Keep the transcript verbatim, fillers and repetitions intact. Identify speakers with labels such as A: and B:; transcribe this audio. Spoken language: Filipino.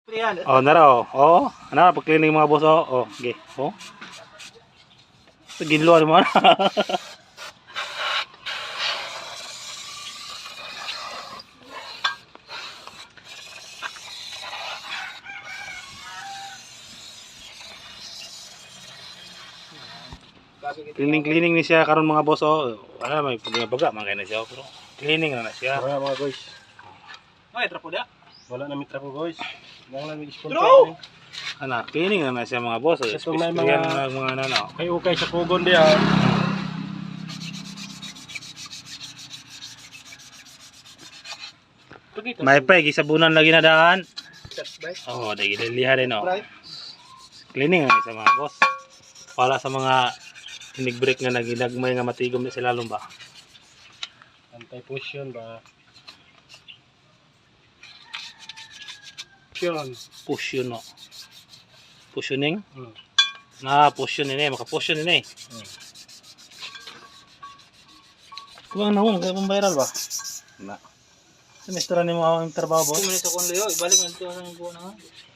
A: Oh, nara oh. Oh, ana pag cleaning mga boss oh. Oh, okay. Oh. Ginlo mo na. Cleaning cleaning ni siya karon mga boss oh. Wala may pagbaga man kay na siya pero cleaning na na siya.
B: Wala mga guys.
C: Ay, trapo da.
B: Wala na mitra ko guys. Nang lang i-sponsor
C: Bro!
B: ni.
A: Ana, cleaning na na siya mga boss. Oh.
B: Ito may
A: Mga
B: mga-
A: mga, mga ano.
B: Kay ukay sa kugon diyan.
A: May pa gisabunan lagi na daan.
C: That's right.
A: Oh, dagi diliha din oh.
C: Right.
A: Cleaning na sa mga boss. Wala sa mga tinig-break nga naginagmay nga matigom na sila lumba.
B: Anti-fusion ba? Fusion.
A: Push yun no. Pushioning?
B: Hmm.
A: Na push yun ini, maka-push yun ini.
B: Hmm.
A: Kubang nahon, kaya pang viral ba?
B: Na.
A: Semester ni mo ang trabaho boss?
C: Kumain sa kon Leo, ibalik na dito sa kuha na.